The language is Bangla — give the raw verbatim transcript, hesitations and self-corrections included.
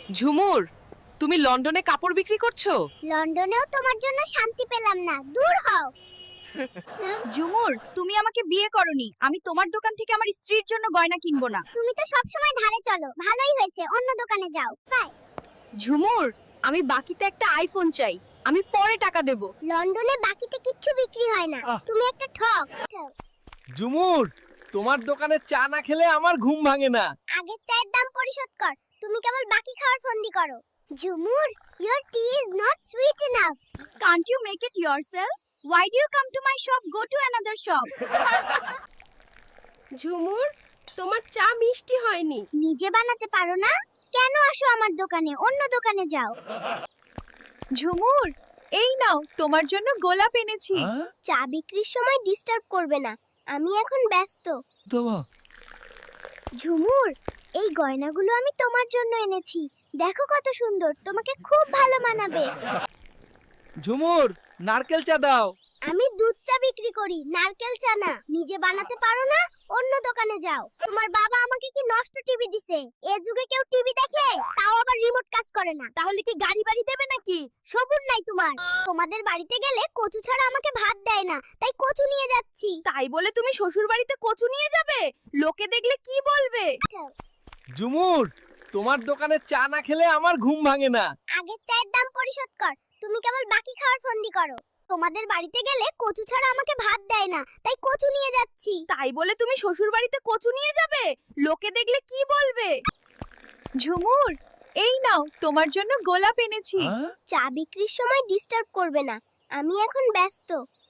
ঝুমুর, তুমি লন্ডনে কাপড় বিক্রি করছো? লন্ডনেও তোমার জন্য শান্তি পেলাম না, দূর হও। ঝুমুর, তুমি আমাকে বিয়ে করনি, আমি তোমার দোকান থেকে আমার স্ত্রীর জন্য গয়না কিনবো না। তুমি তো সব সময় ধারে চলো, ভালোই হয়েছে, অন্য দোকানে যাও। বাই। ঝুমুর, আমি বাকিতে একটা আইফোন চাই, আমি পরে টাকা দেব। লন্ডনে বাকিতে কিচ্ছু বিক্রি হয় না, আহ। তুমি একটা ঠক। ঝুমুর, তোমার দোকানে চা না খেলে আমার ঘুম ভাঙে না। আগের চায়ের দাম পরিশোধ কর, তুমি কেবল বাকি খাওয়ার ফন্দি করো। ঝুমুর, your tea is not sweet enough. Can't you make it yourself? Why do you come to my shop? Go to another shop. ঝুমুর, তোমার চা মিষ্টি হয়নি। নিজে বানাতে পারো না? কেন আসো আমার দোকানে, অন্য দোকানে যাও। ঝুমুর, এই নাও, তোমার জন্য গোলাপ এনেছি। হ্যাঁ? চা বিক্রির সময় ডিস্টার্ব করবে না, আমি এখন ব্যস্ত। দেবা। ঝুমুর, এই গয়নাগুলো আমি তোমার জন্য এনেছি, দেখো কত সুন্দর, তোমাকে খুব ভালো মানাবে। ঝুমুর, নারকেল চা দাও। আমি দুধ চা বিক্রি করি, নারকেল চা না। নিজে বানাতে পারো না? অন্য দোকানে যাও। তোমার বাবা আমাকে কি নষ্ট টিভি দিছে? এ যুগে কেউ টিভি দেখে? তাও আবার রিমোট কাজ করে না। তাহলে কি গাড়ি বাড়ি দেবে নাকি? সবুর নাই তোমার। তোমাদের বাড়িতে গেলে কচু ছাড়া আমাকে ভাত দেয় না, তাই কচু নিয়ে যাচ্ছি। তাই বলে তুমি শ্বশুর বাড়িতে কচু নিয়ে যাবে? লোকে দেখলে কি বলবে? ঝুমুর, তোমার দোকানে চা না খেলে আমার ঘুম ভাঙে না। আগের চায়ের দাম পরিশোধ কর, তুমি কেবল বাকি খাওয়ার ফন্দি করো। তোমাদের বাড়িতে গেলে কচু ছাড়া আমাকে ভাত দেয় না, তাই কচু নিয়ে যাচ্ছি। তাই বলে তুমি শ্বশুর বাড়িতে কচু নিয়ে যাবে? লোকে দেখলে কি বলবে? ঝুমুর, এই নাও, তোমার জন্য গোলাপ এনেছি। হ্যাঁ? চা বিক্রির সময় ডিস্টার্ব করবে না, আমি এখন ব্যস্ত।